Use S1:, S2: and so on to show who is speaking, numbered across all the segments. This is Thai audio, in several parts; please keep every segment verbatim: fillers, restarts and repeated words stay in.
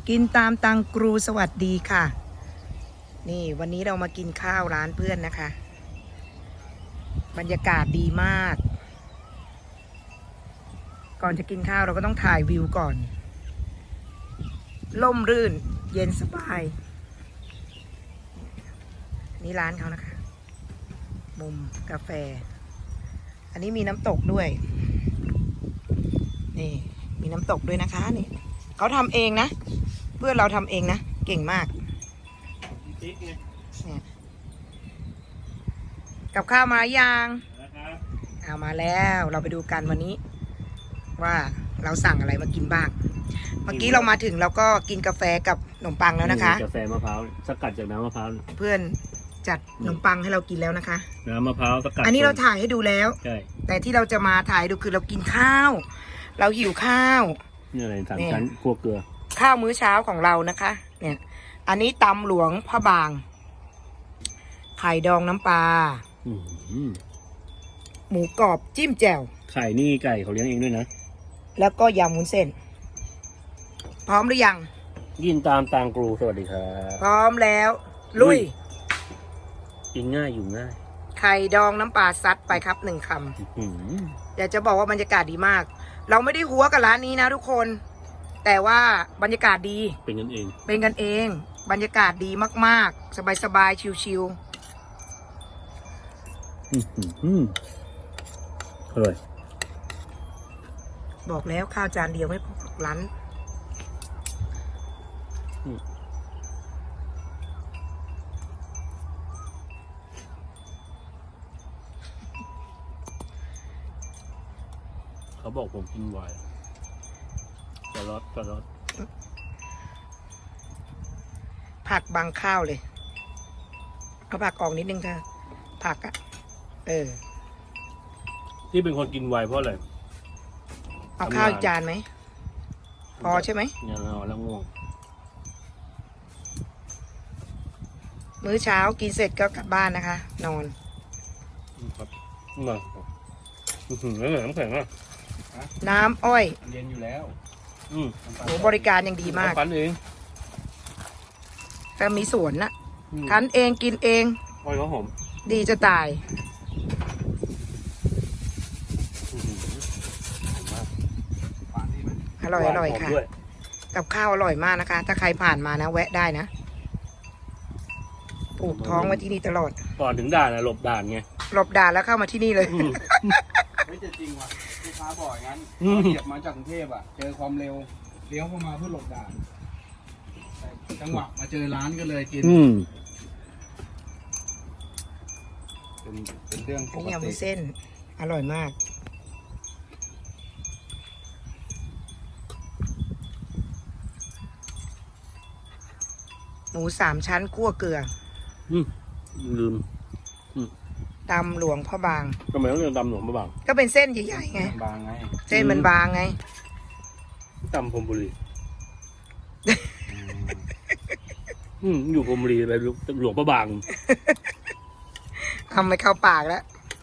S1: กินตามตังกรูสวัสดีค่ะนี่วันนี้เรามากินข้าวร้านเพื่อนนะคะบรรยากาศดีมากก่อนจะกินข้าวเราก็ต้องถ่ายวิวก่อนล่มรื่นเย็นสบายนี่ร้านเขานะคะมุมกาแฟอันนี้มีน้ำตกด้วยนี่มีน้ำตกด้วยนะคะนี่เขาทำเองนะเพื่อนเราทำเองนะเก่งมากเนี่ยกับข้าวมายังเอามาแล้วเราไปดูกันวันนี้ว่าเราสั่งอะไรมากินบ้างเมื่อกี้เรามาถึงเราก็กินกาแฟกับขนมปังแล้วนะคะ
S2: กาแฟมะพร้าวสกัดจากน้ำมะพร้าว
S1: เพื่อนจัดขนมปังให้เรากินแล้วนะคะ
S2: น้ำมะพร้าวสกัด
S1: อันนี้เราถ่ายให้ดูแล้ว
S2: ใช่
S1: แต่ที่เราจะมาถ่ายดูคือเรากินข้าวเราหิวข้าว
S2: นี่อะไรสามชั้นคั่วเกลือ
S1: ข้าวมื้อเช้าของเรานะคะเนี่ยอันนี้ตำหลวงพระบางไข่ดองน้ำปลาหมูกรอบจิ้มแจ่ว
S2: ไข่นี่ไก่เขาเลี้ยงเองด้วยนะ
S1: แล้วก็ยำวุ้นเส้นพร้อมหรือยัง
S2: ยินตามตางกรูสวัสดีครับ
S1: พร้อมแล้วลุย
S2: กินง่ายอยู่ง่าย
S1: ไข่ดองน้ำปลาซัดไปครับหนึ่งคำอยากจะบอกว่าบรรยากาศดีมากเราไม่ได้หัวกับร้านนี้นะทุกคนแต่ว่าบรรยากาศดี
S2: เป็นกันเอง
S1: เป็นกันเองบรรยากาศดีมากๆสบายๆชิว
S2: ๆอร่อย
S1: บอกแล้วข้าวจานเดียวไม่พอร้าน
S2: เขาบอกผมกินไวน์กระรอดกระรอด
S1: ผักบางข้าวเลยเอาผักออกนิดนึงค่ะผักอ่ะเออ
S2: ที่เป็นคนกินไวน์เพราะอะไร
S1: เอาข้าวอีกจานไหมพอใช่ไหม
S2: ยังเอาแล้วง่วง
S1: มื้อเช้ากินเสร็จก็กลับบ้านนะคะนอน
S2: ครับมาถึงแล้วเหรอน้ำแข็งอ่ะ
S1: น้ำอ้อย
S2: เย็นอยู่แล้ว
S1: อืมโหบริการยังดีมาก
S2: คั้นเอง
S1: ก็มีสวนนะคั้นเองกินเอง
S2: อ้อยเขาหอม
S1: ดีจะตายอร่อยอร่อยค่ะกับข้าวอร่อยมากนะคะถ้าใครผ่านมานะแวะได้นะปลูกท้องไว้ที่นี่ตลอด
S2: ก่อนถึงด่านนะหลบด่านไง
S1: หลบด่านแล้วเข้ามาที่นี่เลย
S3: ไม่จะจริงว่ะลูกค้าบอกอย่างนั้นเหยียบมาจากกรุงเทพอ่ะเจอความเร็วเลี้ยวเข้ามาเพื่อหลบด่านจังหวะมาเจอร้านก็เลยกินเป็นเป็นเรื่องปกติ
S1: นี่ยำวุ้นเส้นอร่อยมากหมูสามชั้นคั่วเกลือ
S2: อืมลืม
S1: ตำหลวงพ่อบาง
S2: ทำไมต้องเรียกตำหลวงพ่อบาง
S1: ก็เป็นเส้นใหญ่ๆไง
S3: บางไง
S1: เส้นมันบางไง
S2: ตำพรมบุรีอืมอยู่พรมบุรีไปหลวงพ่อบาง
S1: ทำไม่เข้าปากแล้ว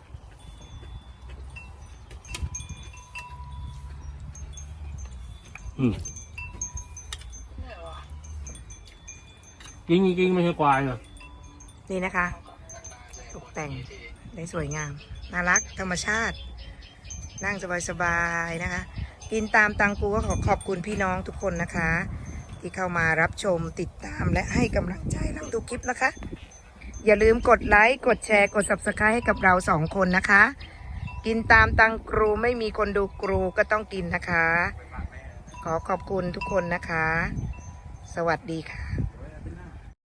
S2: อืมจริงจริงไม่ใช่ควายเหรอ
S1: นี่นะคะตกแต่งได้สวยงามน่ารักธรรมชาตินั่งสบายๆนะคะกินตามตังกูก็ขอขอบคุณพี่น้องทุกคนนะคะที่เข้ามารับชมติดตามและให้กำลังใจเราทุกคลิปนะคะอย่าลืมกดไลค์กดแชร์กด ซับสไครบ์ ให้กับเราสองคนนะคะกินตามตังกรูไม่มีคนดูกรูก็ต้องกินนะคะขอขอบคุณทุกคนนะคะสวัสดีค่ะ